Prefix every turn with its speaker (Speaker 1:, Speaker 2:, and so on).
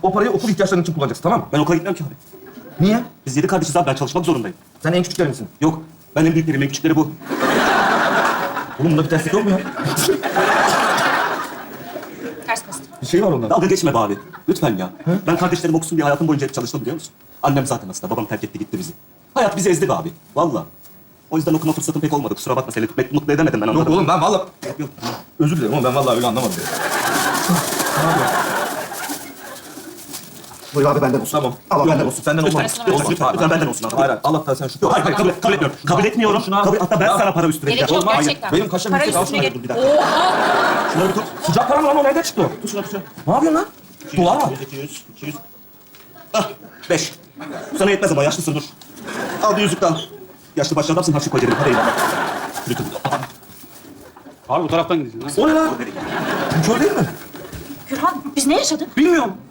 Speaker 1: O parayı okul ihtiyaçların için kullanacaksın, tamam mı?
Speaker 2: Ben okula gitmiyorum ki abi.
Speaker 1: Niye?
Speaker 2: Biz 7 kardeşiz abi. Ben çalışmak zorundayım.
Speaker 1: Sen en küçükleri misin?
Speaker 2: Yok. Ben en büyüklerim, en küçükleri bu.
Speaker 1: Oğlum bunda bir terslik yok mu ya?
Speaker 3: Ters bastım.
Speaker 1: Bir şey var onda.
Speaker 2: Dalga geçme be abi. Lütfen ya. Ben kardeşlerim okusun diye hayatım boyunca hep çalıştım biliyor musun? Annem zaten hasta. Babam terk etti gitti bizi. Hayat bizi ezdi be abi. Vallahi. O yüzden okuma fırsatım pek olmadı. Kusura bakma seni mutlu edemedim ben onları.
Speaker 1: Yok oğlum ben vallahi...
Speaker 2: Yok.
Speaker 1: Özür dilerim ama ben vallahi öyle anlamadım. Ne yapıyorsun?
Speaker 2: Buyur abi benden olsun.
Speaker 1: Tamam.
Speaker 2: Allah
Speaker 1: Yok,
Speaker 2: benden olsun.
Speaker 1: Senden olmaz.
Speaker 3: Lütfen,
Speaker 1: Olmaz.
Speaker 2: lütfen, lütfen benden olsun abi.
Speaker 1: Hayır, hayır. Allah'tan sen şükür.
Speaker 2: Hayır, kabul etmiyorum. Kabul etmiyorum.
Speaker 1: Şunu al.
Speaker 2: Hatta ben sana para üstüne
Speaker 3: Gerek yok
Speaker 1: Hayır,
Speaker 3: gerçekten.
Speaker 1: benim kaşem
Speaker 3: Para
Speaker 1: yüksek, al
Speaker 3: üstüne
Speaker 1: şunu.
Speaker 3: gel.
Speaker 2: Dur bir dakika.
Speaker 3: Oha!
Speaker 2: Şunları tut.
Speaker 1: Sıcak para mı lan o? Nereden çıktı o?
Speaker 2: Tut şunu tut şunu.
Speaker 1: Ne yapıyorsun lan? Dolar mı?
Speaker 2: 200. Ah, 5. Sana yetmez ama yaşlısın dur. Al bir yüzük daha. Yaşlı başlı adamsın harçlık koy cebine. Hadi eyvallah. Lütfen.
Speaker 4: Abi bu taraftan gideceksin.
Speaker 1: O ne lan? Kör değil mi?
Speaker 3: Gürhan biz ne yaşadık?
Speaker 1: Bilmiyorum.